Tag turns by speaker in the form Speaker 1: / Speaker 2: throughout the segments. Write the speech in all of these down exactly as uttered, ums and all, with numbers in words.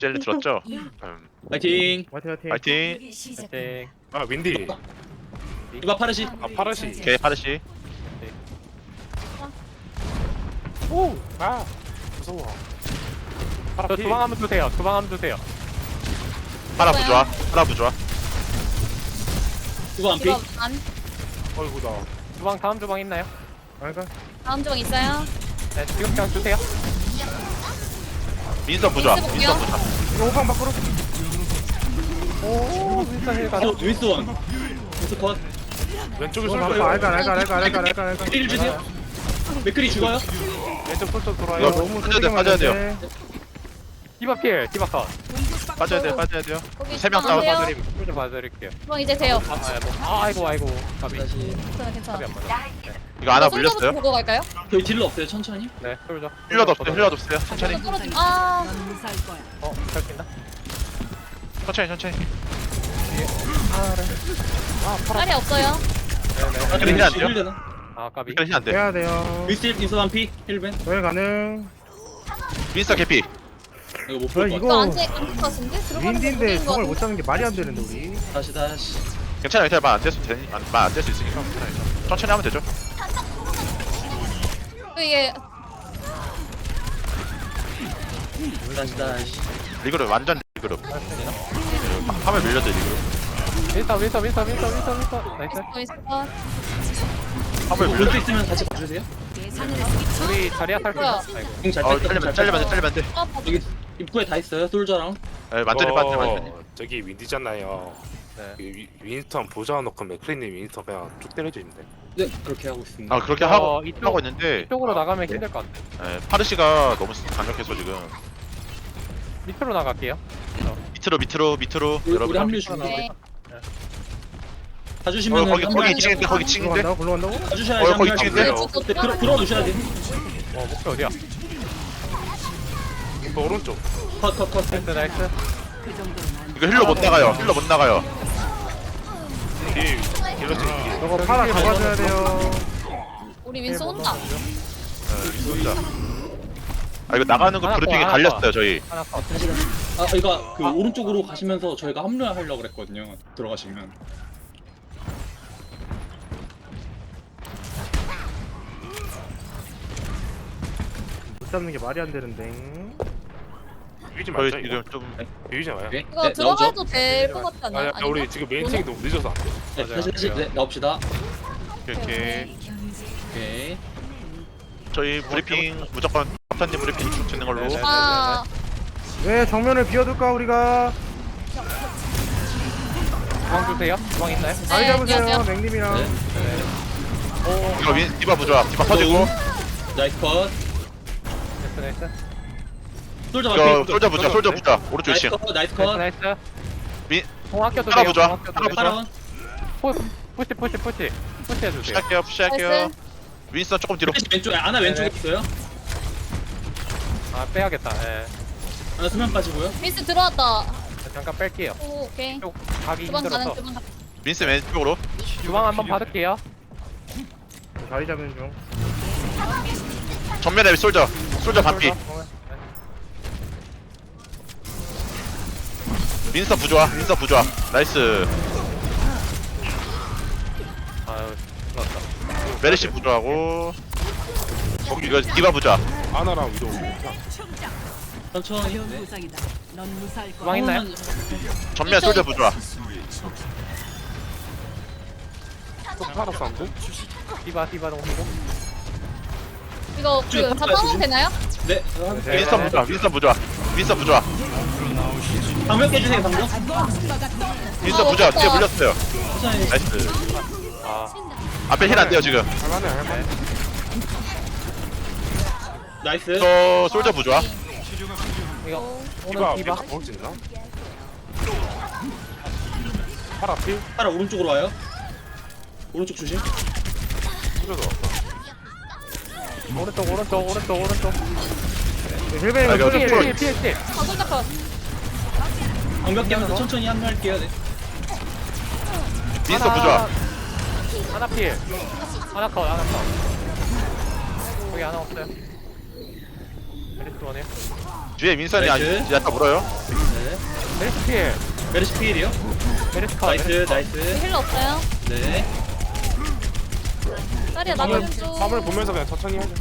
Speaker 1: 젤리 들었죠? 음.
Speaker 2: 파이팅.
Speaker 3: 화이팅 화이팅.
Speaker 1: 파이팅.
Speaker 4: 파이팅.
Speaker 5: 아 윈디.
Speaker 2: 이봐 파르시.
Speaker 5: 아 파르시.
Speaker 1: 오케이 파르시.
Speaker 5: 오. 아 무서워.
Speaker 4: 저
Speaker 5: 파라피.
Speaker 4: 주방 한번 주세요. 주방 한번 주세요.
Speaker 1: 파라 부좋아. 파라 부좋아.
Speaker 2: 이거 안 피.
Speaker 6: 이거 안
Speaker 5: 어이구다.
Speaker 4: 주방 다음 주방 있나요?
Speaker 3: 아이가.
Speaker 6: 다음 종 있어요?
Speaker 4: 네, 지금 그냥 주세요.
Speaker 1: 민선 부좋아.
Speaker 6: 민스
Speaker 1: 민선
Speaker 6: 볼게요.
Speaker 1: 부좋아.
Speaker 3: 이거 호방 밖으로.
Speaker 4: 오, 윈스턴 힐 가자.
Speaker 2: 어, 윈스 원. 윈스 컷.
Speaker 5: 왼쪽에
Speaker 3: 이거
Speaker 5: 쏠
Speaker 3: 바빠. 알가 알가 알가 알가 알가 알가.
Speaker 2: 맥크리 주세요. 맥크리 죽어요.
Speaker 4: 왼쪽 솔솔
Speaker 1: 이거
Speaker 4: 돌아요.
Speaker 3: 너무
Speaker 1: 빠져야 돼, 빠져야 돼요.
Speaker 3: 맞는데.
Speaker 4: 디바 필, 디바 컷.
Speaker 1: 빠져야 돼 빠져야 돼요.
Speaker 6: 거기
Speaker 1: 세 명
Speaker 6: 주방 안
Speaker 1: 싸워.
Speaker 6: 돼요?
Speaker 4: 봐드림, 좀 봐드릴게요.
Speaker 6: 주방 이제 돼요.
Speaker 4: 아, 아, 뭐, 아, 아이고, 아이고. 가비.
Speaker 2: 다시.
Speaker 6: 괜찮아 괜찮아.
Speaker 4: 가비 안 맞아.
Speaker 1: 이거 하나
Speaker 6: 어, 솔저부터
Speaker 1: 물렸어요.
Speaker 6: 보고 갈까요?
Speaker 2: 저희 딜러 없어요. 천천히.
Speaker 4: 네, 솔져.
Speaker 1: 힐러도 없어요. 힐러도 없어요. 천천히.
Speaker 6: 이거 떨어지. 아
Speaker 4: 어, 잘 낀다.
Speaker 1: 천천히 천천히.
Speaker 6: 딸이 없어요.
Speaker 4: 네네.
Speaker 1: 그래, 힐안 돼요?
Speaker 2: 되나?
Speaker 4: 아, 까비.
Speaker 1: 이거 힐안 돼.
Speaker 3: 해야 돼요.
Speaker 2: 윈스 윈스 한 피. 힐벤.
Speaker 3: 저희 가능.
Speaker 1: 민선 개피.
Speaker 2: 이거 못
Speaker 3: 저희
Speaker 2: 볼 것
Speaker 6: 이거
Speaker 2: 같아.
Speaker 6: 안 돼, 안될것 같은데? 들어가는 거
Speaker 3: 윈디인데
Speaker 6: 모르는 거
Speaker 3: 저걸 못
Speaker 6: 같은데?
Speaker 3: 잡는 게 말이 안 되는데 우리.
Speaker 2: 다시 다시.
Speaker 1: 괜찮아요. 괜찮아요. 말안 될수 되니 말안 될 수 있으니까 괜찮아요. 천천히 하면 되죠.
Speaker 6: 이게
Speaker 2: 다시 다시.
Speaker 1: 리그룹 완전 리그룹. 화면 밀려도 리그룹.
Speaker 4: 윈스턴, 윈스턴, 윈스턴, 윈스턴, 윈스턴, 윈스턴. 나이스.
Speaker 6: 있어 있어.
Speaker 1: 화면
Speaker 2: 오른쪽
Speaker 1: 밀려도.
Speaker 2: 있으면 같이 봐주세요.
Speaker 4: 우리 자리야 탈 수
Speaker 6: 뭐야?
Speaker 4: 있어. 아이고.
Speaker 2: 공잘
Speaker 1: 어
Speaker 2: 뺐다.
Speaker 1: 잘리면
Speaker 2: 잘
Speaker 1: 잘리면 돼
Speaker 2: 뺐다.
Speaker 1: 잘리면 돼.
Speaker 6: 아, 봐봐.
Speaker 2: 여기 입구에 다 있어요. 솔저랑.
Speaker 1: 네, 완전히 빠져 완전히.
Speaker 5: 어, 저기 윈디잖아요.
Speaker 4: 네.
Speaker 5: 그 위- 윈스턴 보자놓고 맥크리님 윈스턴 그냥 쭉 때려주는데.
Speaker 2: 네 그렇게 하고 있습니다.
Speaker 1: 아 그렇게
Speaker 4: 어,
Speaker 1: 하고
Speaker 4: 이쪽-
Speaker 1: 하고 있는데
Speaker 4: 이쪽으로 나가면 힘들 것 같아.
Speaker 1: 예, 파르시가 너무 강력해서 지금
Speaker 4: 밑으로 나갈게요.
Speaker 1: 밑으로 밑으로 밑으로
Speaker 2: 우리, 우리
Speaker 1: 여러분.
Speaker 2: 합류 중.
Speaker 6: 네.
Speaker 2: 다
Speaker 1: 어,
Speaker 2: 주시면은
Speaker 1: 거기
Speaker 2: 한
Speaker 1: 거기
Speaker 2: 명
Speaker 1: 이 층인데 거기 층인데.
Speaker 3: 굴러간다고 굴러간다고?
Speaker 2: 다 주셔야지.
Speaker 1: 어, 거기
Speaker 2: 한 명.
Speaker 1: 찍은데?
Speaker 2: 네, 들어 들어 놓으셔야 돼.
Speaker 4: 어, 목표 어디야?
Speaker 5: 그 오른쪽.
Speaker 2: 컷컷 컷.
Speaker 4: 나이스, 나이스.
Speaker 1: 이거 힐러 못 나가요. 힐러 못 나가요.
Speaker 5: 뒤에 힐러 쪽.
Speaker 3: 저거 파라 잡아줘야 돼요.
Speaker 6: 우리 윈스 온다.
Speaker 1: 예, 진짜. 아 이거 나가는 거
Speaker 4: 하나
Speaker 1: 브리핑이
Speaker 4: 더, 하나
Speaker 1: 갈렸어요 저희.
Speaker 4: 하나 컷.
Speaker 2: 다시 다시. 아 이거 그 오른쪽으로 가시면서 저희가 합류하려고 그랬거든요. 들어가시면.
Speaker 3: 못 잡는 게 말이 안 되는데.
Speaker 5: 비비지
Speaker 1: 저희
Speaker 5: 말자 이거.
Speaker 1: 지금 좀
Speaker 5: 비비지 마요.
Speaker 2: 오케이.
Speaker 6: 이거
Speaker 2: 네,
Speaker 6: 들어가도
Speaker 2: 나오죠?
Speaker 6: 될 것 같지
Speaker 5: 아,
Speaker 6: 않아요?
Speaker 5: 야, 우리 지금 메인팅이 너무 늦어서 안 돼.
Speaker 2: 네,
Speaker 4: 맞아요.
Speaker 2: 다시 다시 네, 나옵시다.
Speaker 1: 이렇게
Speaker 2: 오케이.
Speaker 1: 저희 브리핑 무조건 captain님 브리핑 쭉 듣는 걸로.
Speaker 4: 네, 네.
Speaker 6: 아,
Speaker 3: 왜 정면을 비워둘까 우리가?
Speaker 4: 주방 주세요. 주방 있나요?
Speaker 3: 자리
Speaker 6: 네,
Speaker 3: 잡으세요
Speaker 6: 안녕하세요.
Speaker 3: 맥님이랑.
Speaker 2: 네.
Speaker 1: 이거 윈 디바 부좋아. 디바 터지고.
Speaker 2: 나이스 컷.
Speaker 4: 나이스, 나이스.
Speaker 2: 솔저
Speaker 1: 이거
Speaker 2: 맞기.
Speaker 1: 솔저 부좋아. 솔저 부좋아. 오른쪽
Speaker 2: 나이스
Speaker 1: 이층.
Speaker 2: 컷. 나이스
Speaker 4: 나이스,
Speaker 2: 컷.
Speaker 4: 나이스.
Speaker 1: 미-
Speaker 4: 공 아껴도
Speaker 1: 하나
Speaker 4: 돼요.
Speaker 1: 보자.
Speaker 4: 공 아껴도
Speaker 1: 하나
Speaker 4: 돼요.
Speaker 1: 보자.
Speaker 2: 파라원.
Speaker 4: 푸- 푸시, 푸시, 푸시. 푸시 해주세요.
Speaker 1: 푸시할게요. 푸시할게요.
Speaker 6: 나이스.
Speaker 1: 윈스턴 조금 뒤로.
Speaker 2: 왼쪽에 아나 왼쪽에
Speaker 4: 네네.
Speaker 2: 있어요.
Speaker 4: 아, 빼야겠다. 예.
Speaker 2: 아나 수면 빠지고요.
Speaker 6: 윈스 들어왔다.
Speaker 4: 잠깐 뺄게요.
Speaker 6: 오, 오케이.
Speaker 4: 쪽 가기
Speaker 6: 주방 가는
Speaker 4: 힘들어서.
Speaker 6: 주방 가.
Speaker 1: 윈스 왼쪽으로.
Speaker 4: 주방 한번 받을게요.
Speaker 3: 자리 잡는 중.
Speaker 1: 정면에 솔저. 솔저 반피.
Speaker 4: 네.
Speaker 1: 윈스턴 부좋아. 윈스턴 부좋아. 나이스.
Speaker 4: 아유, 끝났다.
Speaker 1: 메르시 부좋아하고. 거기 이거 디바 부좋아.
Speaker 5: 아나랑 위도.
Speaker 2: 천천히. 네.
Speaker 4: 주방 있나요?
Speaker 1: 전면 솔저 부좋아.
Speaker 5: 또 파라 사운드?
Speaker 4: 디바, 디바 동시고.
Speaker 6: 이거
Speaker 2: 쭉
Speaker 6: 그
Speaker 2: 가봐요,
Speaker 6: 잡아도
Speaker 2: 지금.
Speaker 6: 되나요?
Speaker 2: 네.
Speaker 4: 네.
Speaker 1: 윈스턴 부좋아. 윈스턴 부좋아. 윈스턴 부좋아.
Speaker 2: 방벽 깨주세요 방벽.
Speaker 1: 윈스턴 부좋아. 뒤에 물렸어요.
Speaker 2: 천천히.
Speaker 1: 나이스.
Speaker 4: 아,
Speaker 1: 앞에 힐 안 돼요 지금.
Speaker 5: 할만해 할만해.
Speaker 2: 나이스.
Speaker 1: 저 솔저 부좋아.
Speaker 4: 이거
Speaker 5: 디바
Speaker 4: 오늘 디바.
Speaker 5: 디바 먹을 수 있나? 파라 필?
Speaker 2: 파라 오른쪽으로 와요. 오른쪽 조심.
Speaker 5: 필요도 없어.
Speaker 4: 오른쪽, 오른쪽, 오른쪽, 오른쪽.
Speaker 3: 힐베이가
Speaker 1: 아, 이거
Speaker 4: 피해,
Speaker 1: 좀
Speaker 4: 피해, 피해, 피해.
Speaker 6: 아, 손잡 컷.
Speaker 2: 방벽 깨면서 천천히 합류할게요. 네.
Speaker 1: 윈스턴 부좋아.
Speaker 4: 하나 피해. 하나 컷, 하나 컷. 거기 하나 없어요. 메리스 원이요.
Speaker 1: 뒤에 민선이 아니
Speaker 2: 나이스.
Speaker 1: 야타 물어요.
Speaker 2: 네.
Speaker 4: 메리스 필.
Speaker 2: 메르시 필이요.
Speaker 4: 메리스 컷.
Speaker 2: 나이스
Speaker 4: 메리스 컷.
Speaker 2: 나이스.
Speaker 6: 힐러 없어요?
Speaker 2: 네.
Speaker 6: 딸이야
Speaker 5: 화물
Speaker 6: 나가는 중.
Speaker 5: 화물 보면서 그냥 천천히 하자.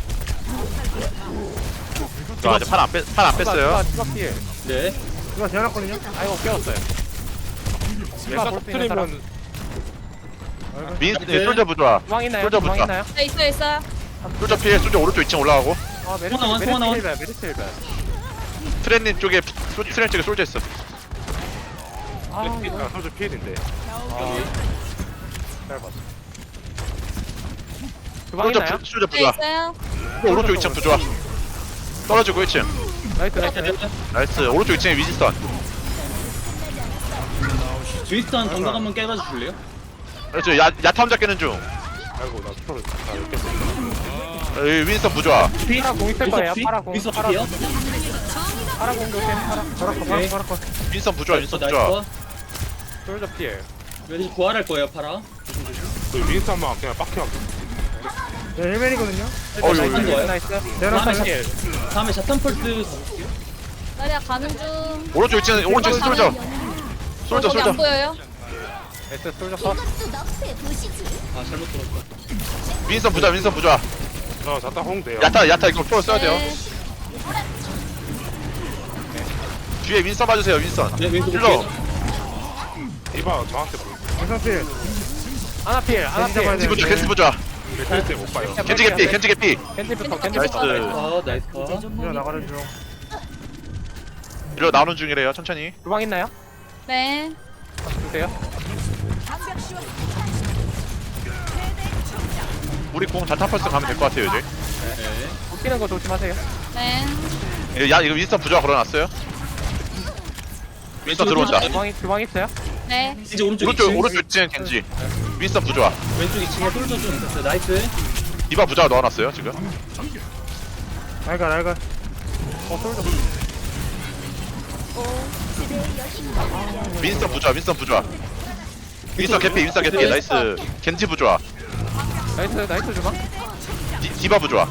Speaker 1: 저 아직 팔안 뺐, 팔안 뺐어요.
Speaker 4: 추가 필.
Speaker 2: 네.
Speaker 3: 이거 제안했거든요.
Speaker 4: 아이고 깨웠어요.
Speaker 5: 얘가
Speaker 4: 볼수 있는 사람.
Speaker 5: 터트리면
Speaker 1: 민 네, 솔저 부좋아.
Speaker 4: 주방 있나요?
Speaker 1: 솔저
Speaker 4: 주방
Speaker 1: 붙자.
Speaker 4: 있나요?
Speaker 6: 네 있어요 있어요.
Speaker 1: 솔저 피해 솔저 오른쪽 이 층 올라가고.
Speaker 4: 아 메리스
Speaker 2: 소나원,
Speaker 4: 메리스
Speaker 2: 소나원.
Speaker 4: 힐벨 메리스 힐벨.
Speaker 1: 트렌님 쪽에 솔- 트렌 쪽에 솔저 있어.
Speaker 4: 아 이거
Speaker 5: 일단 솔저 피해인데.
Speaker 4: 짧았어. 주방
Speaker 1: 솔저
Speaker 4: 있나요?
Speaker 1: 부- 솔저
Speaker 6: 네
Speaker 1: 부좋아.
Speaker 6: 있어요.
Speaker 1: 오른쪽 이 층 부좋아. 떨어지고 일 층.
Speaker 4: 나이스 나이스.
Speaker 1: 나이스. 오른쪽 이 층에 위지선.
Speaker 2: 윈스턴 정각 한번 깨가지고 줄래요?
Speaker 1: 그렇죠. 야 야타 혼자 깨는 중.
Speaker 5: 아이고 나 스토리 다 이렇게
Speaker 1: 어, 이 윈스턴 부좋아.
Speaker 2: 피?
Speaker 4: 파라 공 있을 거예요.
Speaker 2: 피?
Speaker 4: 파라 공.
Speaker 2: 윈스턴
Speaker 4: 파라
Speaker 2: 피요?
Speaker 4: 파라 공 조심. 파라.
Speaker 3: 파라 컷, 파라 컷, 파라 컷.
Speaker 1: 윈스턴 부좋아. 윈스턴
Speaker 2: 나이스.
Speaker 1: 부좋아.
Speaker 4: 솔저 필.
Speaker 2: 메르시 부활할 거예요 파라.
Speaker 5: 그 윈스턴만 그냥 빡혀.
Speaker 3: 네, 헬멧이거든요.
Speaker 1: 어유.
Speaker 2: 나이스.
Speaker 1: 어유.
Speaker 2: 거예요?
Speaker 4: 나이스.
Speaker 3: 제안한
Speaker 2: 다음에
Speaker 4: 필.
Speaker 2: 다음에 자탄 펄스 가볼게요.
Speaker 6: 딸이야 가는 중.
Speaker 1: 오른쪽 이 층 오른쪽 이 층 솔저. 솔저
Speaker 6: 거기 안
Speaker 1: 솔저.
Speaker 6: 보여요?
Speaker 4: 나이스 솔저 컷.
Speaker 2: 아 잘못 들었다.
Speaker 1: 윈스턴 부좋아. 윈스턴 부좋아.
Speaker 5: 저 자타 홍대요.
Speaker 1: 야타 야타 이거 프로 써야 돼요.
Speaker 6: 네.
Speaker 1: 뒤에 윈스턴 봐주세요. 윈스턴.
Speaker 2: 네 윈스턴
Speaker 1: 힐러.
Speaker 2: 볼게요.
Speaker 5: 이봐 저한테 뭐
Speaker 3: 원상필.
Speaker 4: 하나 필. 하나
Speaker 3: 겐지 잡아야
Speaker 4: 필.
Speaker 1: 겐지 부좋아. 겐지 부좋아.
Speaker 5: 맥크리 못 봐요.
Speaker 1: 겐지 개피. 겐지 개피.
Speaker 4: 겐지부터
Speaker 6: 나이스.
Speaker 4: 겐지부터.
Speaker 1: 나이스.
Speaker 2: 아 나이스 컷.
Speaker 3: 이거 나가는 중.
Speaker 1: 이리로 나오는 중이래요. 천천히.
Speaker 4: 주방 있나요?
Speaker 6: 네.
Speaker 4: 주세요.
Speaker 1: 우리 공 자타 펄스 가면 될 것 같아요 이제.
Speaker 2: 네.
Speaker 4: 웃기는 거 조심하세요.
Speaker 6: 네.
Speaker 1: 예, 야 이거 윈스턴 부좋아 걸어놨어요. 윈스턴 들어온다.
Speaker 4: 주방 주방 있어요?
Speaker 6: 네.
Speaker 2: 이제 오른쪽
Speaker 1: 오른쪽
Speaker 2: 이 층.
Speaker 1: 오른쪽 층 겐지. 윈스턴 부좋아.
Speaker 2: 왼쪽 이 층에 솔저 좀 있었어요. 나이스.
Speaker 1: 디바 부좋아 넣어놨어요 지금.
Speaker 3: 날가, 날가.
Speaker 4: 어 솔저.
Speaker 1: 윈스턴 부좋아. 윈스턴 부좋아. 윈스턴 개피. 윈스턴 개피. 나이스. 겐지 부좋아.
Speaker 4: 나이스 나이스 주방.
Speaker 1: 디, 디바 부좋아.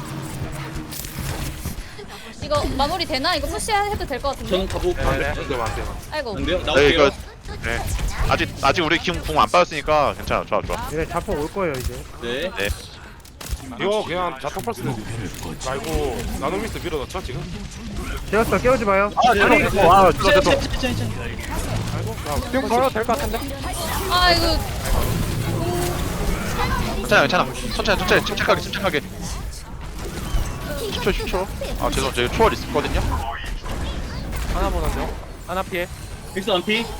Speaker 6: 이거 마무리 되나? 이거 푸시해도 될 것 같은데.
Speaker 2: 저는 가보.
Speaker 4: 네.
Speaker 5: 안돼 안돼 안돼.
Speaker 6: 아이고.
Speaker 2: 안 돼요?
Speaker 1: 네
Speaker 2: 나올게요.
Speaker 1: 이거. 네. 아직 아직 우리 공안 빠졌으니까 괜찮아. 좋아 좋아.
Speaker 3: 얘네 자폭 올 거예요, 이제.
Speaker 2: 네.
Speaker 1: 네.
Speaker 5: 이거 그냥 자타 펄스 말고 나노미스 밀어넣죠 지금?
Speaker 3: 제어스터 깨우지 마요.
Speaker 1: 아
Speaker 3: 아니,
Speaker 1: 됐어. 아
Speaker 2: 자,
Speaker 1: 됐어
Speaker 2: 자,
Speaker 1: 됐어.
Speaker 2: 자, 자, 자.
Speaker 5: 아이고 그냥
Speaker 4: 지금 걸어도 될 것 같은데?
Speaker 6: 아 이거
Speaker 1: 괜찮아 괜찮아. 천천히 천천히 침착하게 침착하게. 십 초 십 초. 아 죄송 제가 초월 있었거든요.
Speaker 4: 하나 보는 중. 하나 피해.
Speaker 2: 윈스턴 안 피.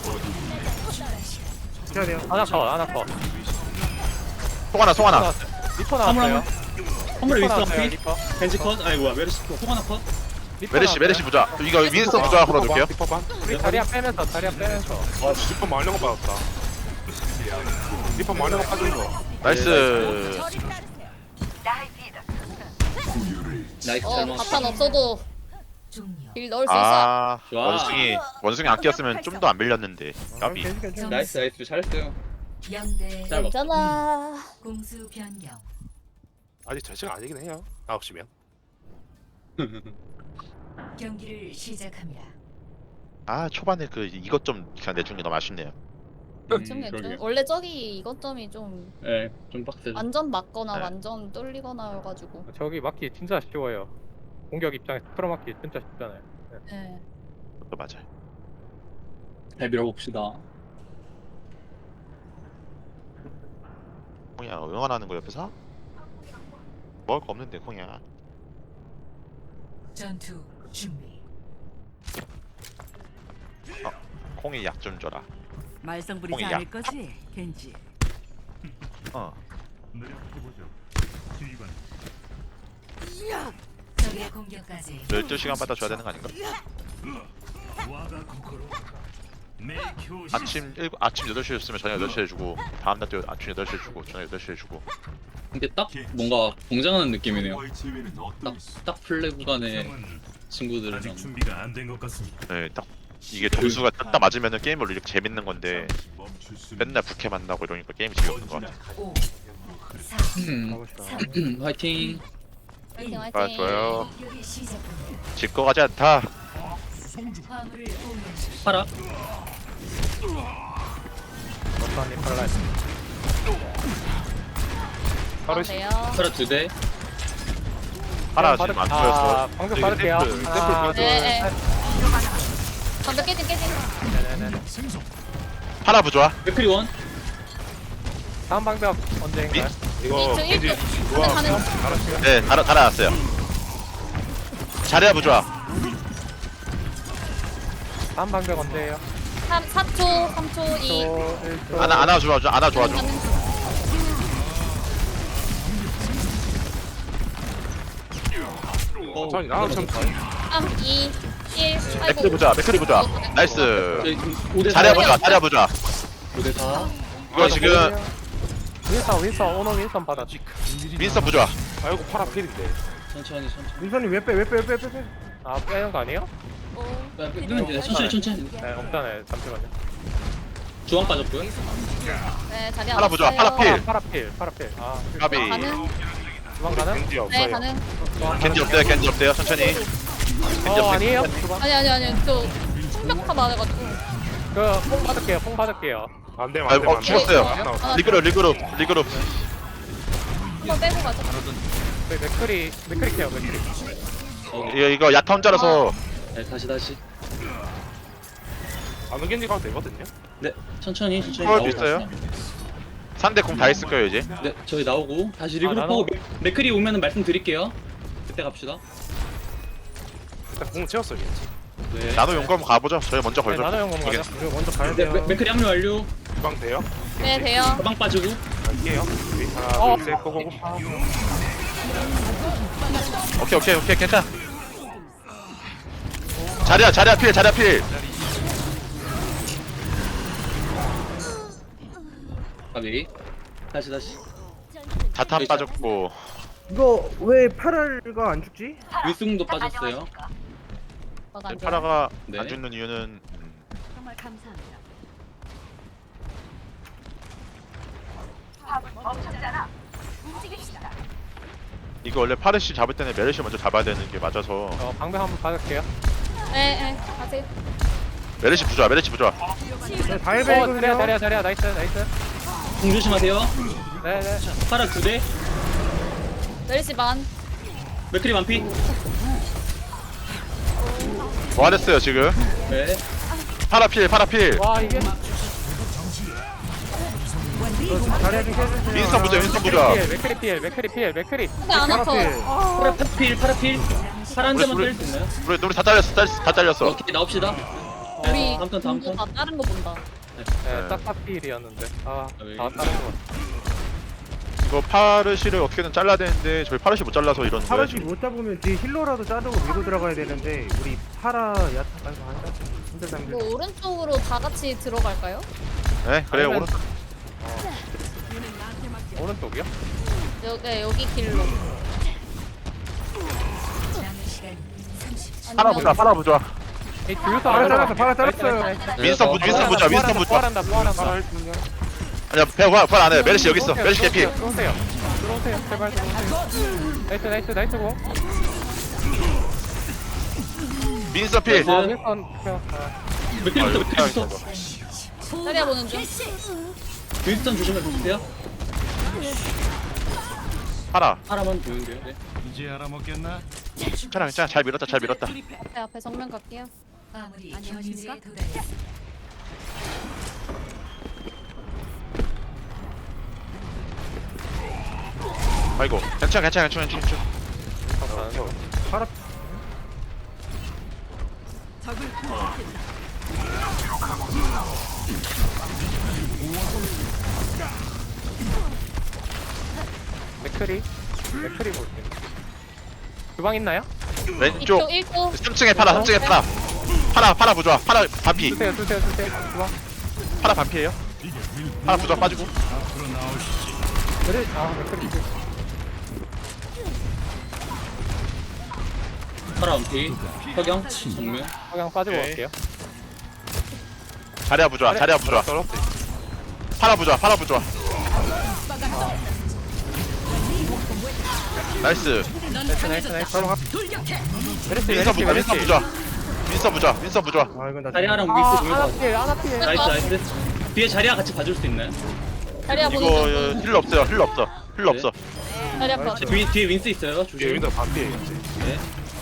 Speaker 3: 해야 돼요.
Speaker 4: 하나 컷. 하나 컷.
Speaker 1: 송하나 송하나.
Speaker 4: 나왔어요. 리퍼
Speaker 2: 화물
Speaker 4: 나왔어요.
Speaker 2: 화물
Speaker 4: 리퍼
Speaker 2: 윈스턴
Speaker 4: 나왔어요.
Speaker 2: 피.
Speaker 4: 리퍼.
Speaker 2: 벤지 컷. 아이고 뭐야 메르시 컷. 소가나 컷.
Speaker 4: 리퍼
Speaker 1: 메르시
Speaker 4: 나왔어요.
Speaker 1: 메르시 부자. 이거 윈스턴 부자 걸어둘게요.
Speaker 5: 리퍼반.
Speaker 4: 우리 자리야 빼면서 자리야 빼면서.
Speaker 5: 와 리퍼 말린 거 받았다. 리퍼 말린 거 빠진 거.
Speaker 1: 나이스.
Speaker 2: 나이스
Speaker 6: 어
Speaker 2: 잘 먹었어.
Speaker 6: 바탄 없어도 일 넣을 수 있어.
Speaker 1: 아
Speaker 2: 좋아.
Speaker 1: 원숭이 원숭이 안 끼었으면 좀 더 안 밀렸는데. 까비.
Speaker 3: 괜찮, 괜찮.
Speaker 2: 나이스 나이스 잘했어요.
Speaker 7: 영대
Speaker 2: 잘 먹었어.
Speaker 6: 괜찮아.
Speaker 7: 공수 변경.
Speaker 5: 아직 저 시간 아니긴 해요. 아홉 시면.
Speaker 7: 경기를 시작합니다.
Speaker 1: 아 초반에 그 이것 좀 그냥 내준 게 너무 아쉽네요.
Speaker 2: 음,
Speaker 6: 좀
Speaker 2: 그러게요.
Speaker 6: 좀 원래 저기 이것 점이 좀
Speaker 2: 네, 좀 빡세죠.
Speaker 6: 완전 맞거나
Speaker 1: 네.
Speaker 6: 완전 뚫리거나여가지고.
Speaker 4: 저기 막기 진짜 쉬워요. 공격 입장에서 틀어 막기 진짜 쉽잖아요.
Speaker 6: 네.
Speaker 1: 그것도 맞아요.
Speaker 2: 잘 밀어봅시다.
Speaker 1: 콩이야 응원하는 거 옆에서? 먹을 거 없는데 콩이야.
Speaker 7: 전투 준비.
Speaker 1: 콩이 약 좀 줘라.
Speaker 8: 말썽 부리지
Speaker 1: 콩이야.
Speaker 8: 않을 거지, 겐지.
Speaker 1: 어.
Speaker 7: 적의 공격까지
Speaker 1: 열두 시간 받아 줘야 되는 거 아닌가? 아침 일곱 아침 여덟 시에 줬으면 저녁 여덟 시에 주고 다음 날도 아침 여덟 시에 주고 저녁 여덟 시에 주고.
Speaker 2: 근데 딱 뭔가 공장하는 느낌이네요. 딱, 딱 플레이 구간에 친구들이랑.
Speaker 9: 준비가 안 된 것 같습니다.
Speaker 1: 네, 딱 이게 점수가 딱 맞으면은 게임을 이렇게 재밌는 건데 맨날 부캐 만나고 이러니까 게임이 재미없는 것 같아.
Speaker 7: 오, 사,
Speaker 2: 음,
Speaker 3: 가봅시다.
Speaker 2: 화이팅.
Speaker 6: 화이팅
Speaker 1: 아
Speaker 6: 화이팅.
Speaker 1: 좋아요.
Speaker 7: 공격이 시작됩니다.
Speaker 1: 질 거 같지 않다.
Speaker 7: 화물을 공유.
Speaker 2: 파라.
Speaker 4: 어떠니 팔라.
Speaker 5: 바로
Speaker 6: 돼요.
Speaker 2: 파라 두 대.
Speaker 1: 하나 지금 안
Speaker 4: 아,
Speaker 1: 보였어.
Speaker 4: 방금 빠를게요.
Speaker 5: 샘플, 샘플
Speaker 4: 하나,
Speaker 5: 봐줘.
Speaker 4: 둘,
Speaker 6: 네,
Speaker 4: 셋.
Speaker 6: 방벽 깨진 깨진.
Speaker 4: 네네네.
Speaker 1: 하나 부좋아.
Speaker 2: 맥크리 원.
Speaker 4: 다음 방벽 언제인가요?
Speaker 5: 이거
Speaker 6: 저
Speaker 5: 겐지
Speaker 6: 일등.
Speaker 5: 좋아.
Speaker 6: 가는
Speaker 5: 알았어요.
Speaker 1: 네, 달아 달아놨어요. 자리야 부좋아.
Speaker 4: 다음 방벽 언제예요?
Speaker 6: 삼, 삼 초, 삼 초, 이.
Speaker 4: 일 초.
Speaker 1: 안아 안아 좋아 안아 좋아 줘.
Speaker 2: 어,
Speaker 5: 천천히. 아, 참.
Speaker 6: 삼, 이, 일.
Speaker 1: 맥크리
Speaker 6: 아이고.
Speaker 1: 부좋아. 맥크리 부좋아. 나이스.
Speaker 2: 저희 오 대 사.
Speaker 1: 자리야 부좋아. 자리야 부좋아.
Speaker 2: 오 대 사.
Speaker 1: 이거 지금
Speaker 4: 윈선 윈선 오너 윈선 받아.
Speaker 1: 민서 부좋아.
Speaker 5: 아이고 파라 필인데.
Speaker 2: 천천히 천천히.
Speaker 3: 민선이 왜 빼 왜 빼 왜 빼 빼?
Speaker 4: 아 빼는 거 아니에요?
Speaker 2: 야, 끄면 돼. 천천히 천천히.
Speaker 4: 네 없잖아요. 잠시만요.
Speaker 2: 주황 빠졌고요.
Speaker 6: 네, 자리
Speaker 1: 하나 보자,
Speaker 6: 왔어요.
Speaker 1: 하나 필.
Speaker 4: 파라필 파라필. 아
Speaker 1: 가비.
Speaker 6: 가능?
Speaker 4: 주방 가능?
Speaker 5: 겐지
Speaker 6: 네,
Speaker 5: 없어요.
Speaker 6: 가능.
Speaker 1: 겐지 없대요. 겐지 없대요. 천천히.
Speaker 4: 어 아니에요? 주방.
Speaker 6: 아니, 아니, 아니. 저 충격파 맞아가지고.
Speaker 4: 그뽕 받을게요. 뽕 받을게요.
Speaker 5: 안 돼,
Speaker 1: 아,
Speaker 5: 안 돼.
Speaker 1: 어, 죽었어요. 리그룹 리그룹 리그룹.
Speaker 6: 한번 빼고 가자.
Speaker 4: 네, 맥크리 맥크리 케어 맥크리.
Speaker 1: 이거 이거 야타 혼자라서
Speaker 2: 네, 다시 다시.
Speaker 5: 안오 겐지 가도 되거든요.
Speaker 2: 네, 천천히 천천히.
Speaker 1: 헐,
Speaker 2: 나오고
Speaker 1: 있어요?
Speaker 2: 다시 나와요.
Speaker 1: 상대 공 다 했을 거예요 이제.
Speaker 2: 네, 저희 나오고 다시
Speaker 4: 아,
Speaker 2: 리그룹하고 맥- 맥크리 오면은 말씀드릴게요. 그때 갑시다.
Speaker 5: 일단 공 채웠어요, 겐지.
Speaker 2: 네.
Speaker 1: 나노 용검 가보죠. 저희 먼저
Speaker 4: 네,
Speaker 1: 걸죠.
Speaker 4: 나노 영검 가자.
Speaker 1: 알겠습니다.
Speaker 3: 이거 먼저 가야
Speaker 2: 네,
Speaker 3: 돼요.
Speaker 2: 맥- 맥크리 합류 완료.
Speaker 5: 주방 돼요?
Speaker 6: 네, 돼요.
Speaker 2: 가방 빠지고.
Speaker 5: 갈게요. 여기 하나,
Speaker 4: 어.
Speaker 5: 둘, 셋, 고고고.
Speaker 1: 오케이 오케이 오케이 괜찮아. 자리야 자리야 필 자리야 필.
Speaker 2: 가비. 다시 다시.
Speaker 1: 자탄 빠졌고.
Speaker 3: 이거 왜 파랄가 안 죽지?
Speaker 2: 윌승도 빠졌어요.
Speaker 6: 어,
Speaker 1: 네,
Speaker 6: 안 돼.
Speaker 1: 파라가
Speaker 2: 네.
Speaker 1: 안 죽는 이유는 음,
Speaker 8: 정말 감사합니다.
Speaker 1: 이거 원래 파르시 잡을 때는 메르시 먼저 잡아야 되는 게 맞아서.
Speaker 4: 어 방벽 한번 받을게요.
Speaker 6: 네, 네. 가세요.
Speaker 1: 메르시 부좋아 메르시 부좋아.
Speaker 3: 네,
Speaker 4: 어
Speaker 3: 다이베이거든요.
Speaker 4: 자리야 자리야 자리야 나이스 나이스.
Speaker 2: 공 조심하세요.
Speaker 4: 네네.
Speaker 2: 파라 두 대.
Speaker 6: 멸시 반.
Speaker 2: 맥크리 완피.
Speaker 1: 뭐하랬어요 지금?
Speaker 2: 네.
Speaker 1: 파라 필 파라 필.
Speaker 4: 와 이게
Speaker 3: 자리야 좀 깨주세요.
Speaker 1: 윈스턴 부좋아 윈스턴 부좋아.
Speaker 4: 피엘 맥크리 피엘 맥크리 피엘 맥크리.
Speaker 6: 근데 안 아파.
Speaker 3: 파라필.
Speaker 2: 파라 필 파라 필. 파라 한 대만
Speaker 1: 우리-
Speaker 2: 때릴 수 있나요?
Speaker 1: 우리 우리 다 잘렸어 다, 다 잘렸어.
Speaker 2: 오케이 나옵시다.
Speaker 6: 우리
Speaker 2: 네, 다음 턴 다음
Speaker 6: 공부
Speaker 2: 턴.
Speaker 6: 다 다른 거 본다.
Speaker 4: 네, 딱 피엘이었는데. 아,
Speaker 2: 왜?
Speaker 4: 다 다른 거.
Speaker 1: 이거 파르시를 어떻게든 잘라야 되는데 저희 파르시 못 잘라서 이러는 거예요
Speaker 3: 파라시
Speaker 1: 지금.
Speaker 3: 못 잡으면 뒤에 힐러라도 자르고 밀고 들어가야 되는데 우리 파라 야타 아이고 안 잡. 힘들다 힘들다.
Speaker 6: 뭐 오른쪽으로 다 같이 들어갈까요?
Speaker 1: 네 그래요
Speaker 4: 아니면-
Speaker 1: 오른.
Speaker 4: 오른쪽이요?
Speaker 6: 여, 네, 여기 길로.
Speaker 7: 남은 시간 삼십 초.
Speaker 1: 파라 부좋아 파라 부좋아.
Speaker 4: 이 줄서
Speaker 3: 파라 잘랐어 파라 잘랐어요.
Speaker 1: 윈스턴 부 윈스턴 부좋아 윈스턴 부좋아.
Speaker 4: 부활한다 부활한다.
Speaker 1: 아니야 배 부활 부활 안 해. 메르시 여기 있어. 메르시 개피.
Speaker 4: 들어오세요. 들어오세요. 제발 들어오세요. 나이스 나이스 나이스 고.
Speaker 1: 민서 필.
Speaker 2: 네.
Speaker 4: 아, 윈선 켜. 아,
Speaker 2: 맥크리부터 맥크리부터.
Speaker 6: 자리야 보는 중.
Speaker 2: 윈스턴 조심해 주세요.
Speaker 1: 파라.
Speaker 2: 파라만 보이는데요. 네.
Speaker 9: 이제 알아먹겠나?
Speaker 1: 괜찮아 괜찮아 잘 밀었다 잘 밀었다.
Speaker 6: 앞에 앞에 정면 갈게요.
Speaker 7: 마무리
Speaker 8: 안녕하십니까?
Speaker 7: 경지에 도달했습니다.
Speaker 1: 아이고 괜찮아 괜찮아 괜찮아 괜찮아.
Speaker 3: 파라
Speaker 4: 맥크리. 맥크리 볼게요. 주방 있나요?
Speaker 1: 왼쪽
Speaker 6: 이쪽 일 초.
Speaker 1: 삼 층에 파라 삼 층에 파라. 파라 파라 부좋아 파라 반피.
Speaker 4: 주세요 주세요 주세요. 주방.
Speaker 1: 파라 반피예요. 파라 부좋아 빠지고.
Speaker 4: 그래. 아 맥크리.
Speaker 2: 파라 완피. 석영 정면.
Speaker 4: 그냥 빠지고
Speaker 5: 오케이.
Speaker 4: 갈게요.
Speaker 1: 자리야 부좋아 자리야 부좋아.
Speaker 5: 떨었어.
Speaker 1: 파라 부좋아 파라 부좋아. 나이스.
Speaker 4: 나이스 나이스 나이스. 그렇지
Speaker 1: 민서
Speaker 4: 메르시
Speaker 1: 부좋아 민서
Speaker 4: 메르시.
Speaker 1: 부좋아. 윈선 부좌 윈선 부좌.
Speaker 3: 아 이건 나
Speaker 2: 자리아랑
Speaker 4: 아
Speaker 2: 윈스
Speaker 4: 하나
Speaker 2: 보면서
Speaker 4: 필 하나 필.
Speaker 2: 나이스 나이스. 뒤에 자리아 같이 봐줄 수 있나요?
Speaker 6: 자리야
Speaker 1: 이거
Speaker 6: 보는 중.
Speaker 1: 어, 힐러 없어요 힐러 없어 힐러
Speaker 2: 네.
Speaker 1: 없어.
Speaker 6: 자리야 봐.
Speaker 2: 뒤, 뒤에 윈스 있어요.
Speaker 5: 뒤에
Speaker 2: 조심.
Speaker 5: 윈도 반피해 이제.
Speaker 2: 네.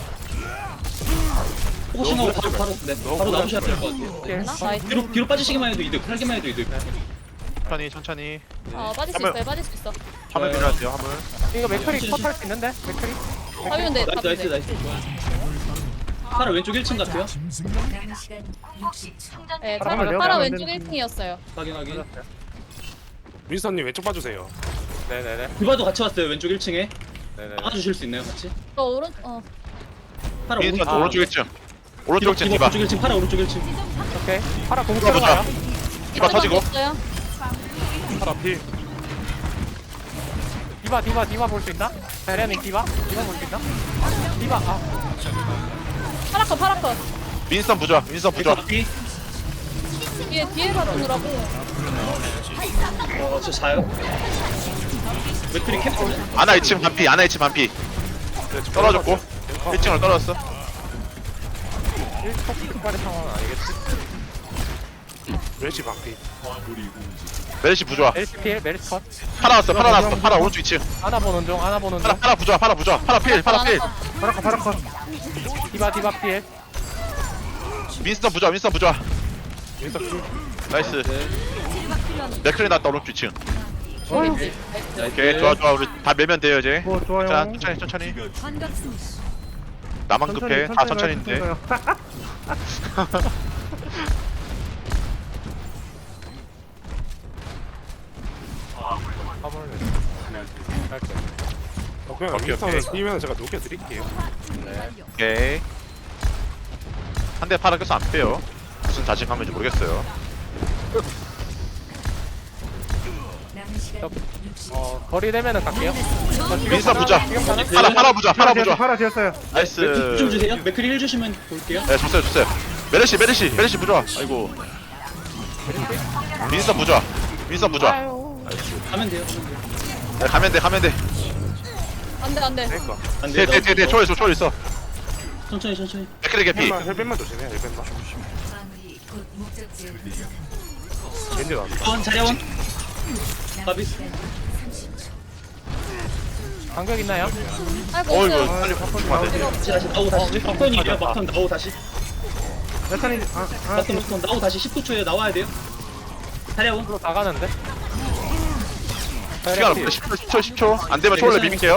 Speaker 2: 포커싱하고 바로 바로 네, 바로 나오셔야 될 것 같아요. 네.
Speaker 6: 나? 나이스.
Speaker 2: 뒤로 뒤로 빠지시기만 해도 이득. 살기만 해도 이득.
Speaker 1: 천천히 천천히.
Speaker 6: 어 빠질 수
Speaker 1: 한번-
Speaker 6: 있어요. 빠질 수 있어.
Speaker 1: 화면 밀어야 돼요 화면.
Speaker 4: 이거 맥크리 컷할 수 있는데 맥크리.
Speaker 6: 하면 돼.
Speaker 2: 나이스 나이스 나이스. 파라 왼쪽 일 층 같아요.
Speaker 7: 남은 시간 육십 초.
Speaker 6: 네,
Speaker 3: 파라
Speaker 6: 파라,
Speaker 3: 내가
Speaker 6: 파라
Speaker 3: 보면
Speaker 6: 왼쪽
Speaker 3: 안
Speaker 6: 일 층이었어요.
Speaker 2: 확인 확인.
Speaker 5: 윈스턴님 왼쪽 봐주세요.
Speaker 4: 네네네.
Speaker 2: 디바도 같이 왔어요. 왼쪽 일 층에.
Speaker 4: 네네.
Speaker 2: 막아주실 수 있나요 같이?
Speaker 6: 저 오른 어
Speaker 2: 파라
Speaker 1: 윈선
Speaker 2: 오른쪽.
Speaker 1: 오른쪽 일 층. 오른쪽 층 디바.
Speaker 2: 오른쪽 일 층. 파라 오른쪽 일 층.
Speaker 4: 오케이. 파라 공
Speaker 1: 디바
Speaker 4: 들어가요.
Speaker 1: 보자. 디바 터지고.
Speaker 6: 없어요.
Speaker 5: 파라 필.
Speaker 4: 디바 디바 디바 볼 수 있나? 자리아님 디바? 디바 볼 수 있나? 디바 아
Speaker 6: 파라커 파라커.
Speaker 1: 윈선 부좌 윈선 부좌.
Speaker 2: 뒤.
Speaker 6: 뒤에 뒤에 봐주느라고.
Speaker 2: 어, 저 자요. 맥크리 캡처.
Speaker 1: 아나 이 층 반피 아나 이 층 반피. 떨어졌고 일 층으로 떨어졌어.
Speaker 4: 일촉 특발의 상황은 아니겠지?
Speaker 5: 멸치 반피.
Speaker 1: 메르시 부좌.
Speaker 4: 메리스 필 메리스 컷.
Speaker 1: 파라 왔어 파라 왔어 파라 오른쪽 이 층.
Speaker 4: 하나 보는 중 하나 보는
Speaker 1: 파라
Speaker 4: 중.
Speaker 1: 파라 부좌 파라 부좌 파라 필 파라 필.
Speaker 3: 파라커 파라커.
Speaker 4: 디바 디바 필.
Speaker 1: 윈선 부좌 윈선 부좌.
Speaker 5: 윈스턴 필.
Speaker 1: 나이스. 맥클리 났다 오른쪽 이 층.
Speaker 6: 오케이.
Speaker 1: 오케이 좋아 좋아 우리 다 밀면 돼요 이제.
Speaker 3: 뭐 좋아요.
Speaker 1: 자 천천히 천천히.
Speaker 8: 반갑습니다.
Speaker 1: 나만 급해 다 천천히
Speaker 3: 가요,
Speaker 1: 인데.
Speaker 3: 가요.
Speaker 4: 화물 할게.
Speaker 5: 어, 그냥
Speaker 1: 오케이,
Speaker 5: 윈스턴을
Speaker 1: 오케이.
Speaker 5: 뛰면 제가 녹여드릴게요.
Speaker 1: 오케이. 한 대 파라 껴서 안 빼요. 무슨 자신감인지 모르겠어요.
Speaker 7: 남은 시간 육십.
Speaker 4: 어 거리 되면은 갈게요.
Speaker 1: 윈선 부좌.
Speaker 4: 지금 가는
Speaker 1: 파라 파라 부좌 파라 부좌.
Speaker 3: 파라 지었어요.
Speaker 1: 나이스.
Speaker 2: 맥크리 좀 주세요. 맥크리 일 주시면 볼게요.
Speaker 1: 네 줬어요 줬어요. 메르시 메르시 메르시 부좌. 아이고. 윈선 부좌. 윈선 부좌.
Speaker 2: 가면 돼요. 가면 돼요.
Speaker 1: 네, 가면 돼 가면 돼.
Speaker 6: 안돼 안돼.
Speaker 5: 그러니까.
Speaker 2: 안 돼요.
Speaker 1: 뒤뒤뒤 초월 있어 초월 있어.
Speaker 2: 천천히 천천히.
Speaker 1: 맥크리 개피.
Speaker 5: 헬멧만 헬멧만 조심해. 헬멧만.
Speaker 7: 마무리 곧 목적지에 도착.
Speaker 5: 겐지 나왔다.
Speaker 2: 원 자리원.
Speaker 7: 남은
Speaker 2: 가비.
Speaker 7: 시간 삼십 초.
Speaker 4: 간격 있나요?
Speaker 6: 아이고
Speaker 1: 어이구
Speaker 6: 없어요.
Speaker 1: 빨리 바꾸면 안 돼.
Speaker 2: 다시 다시 나오고 다시. 막턴이에요. 막턴 나오고 다시.
Speaker 3: 야탄이 아 아.
Speaker 2: 막턴 막턴 나오고 다시 십구 초에 나와야 돼요. 자리원.
Speaker 4: 앞으로 다 가는데.
Speaker 1: 시간 없어 십 초 십 초 십 초. 안 되면 초월로 미밀게요.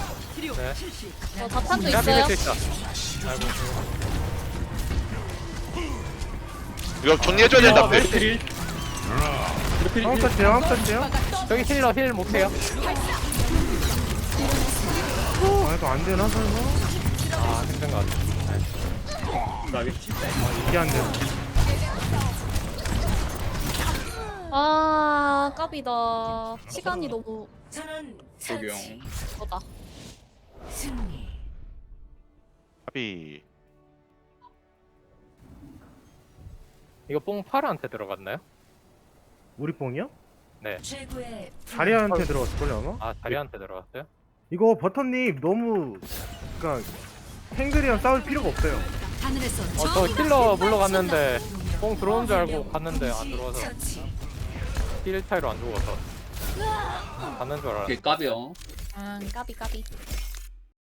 Speaker 6: 저 자탄도
Speaker 4: 제가
Speaker 6: 있어요.
Speaker 4: 비빌 수 있다.
Speaker 1: 이거 정리해줘야 된다. 네.
Speaker 2: 맥크리. 맥크리.
Speaker 3: 한번 터치요 한번 터치요.
Speaker 4: 저기 힐러 힐 못해요.
Speaker 3: 아 이거 안 되나 설마?
Speaker 4: 아 힘든 것 같아.
Speaker 2: 가비.
Speaker 3: 이게 안 돼.
Speaker 6: 아 까비다. 시간이 너무
Speaker 7: 전원
Speaker 2: 조경.
Speaker 7: 처치.
Speaker 6: 거다.
Speaker 7: 승리.
Speaker 1: 비.
Speaker 4: 이거 뽕 파라한테 들어갔나요?
Speaker 3: 우리 뽕이요?
Speaker 7: 최고의
Speaker 3: 자리한테 들어갔을걸요 아마?
Speaker 4: 아 자리한테 들어갔어요?
Speaker 3: 이거 버터님 너무 그니까 탱들이랑 싸울 필요가 없어요.
Speaker 8: 하늘에서
Speaker 4: 어 저 힐러 물러갔는데 뽕 들어온 줄 알고 갔는데 안 들어와서
Speaker 7: 처치.
Speaker 4: 힐 차이로 안 죽어서 갔는 줄 알았어.
Speaker 2: 오케이 까비요.
Speaker 6: 아 까비 까비.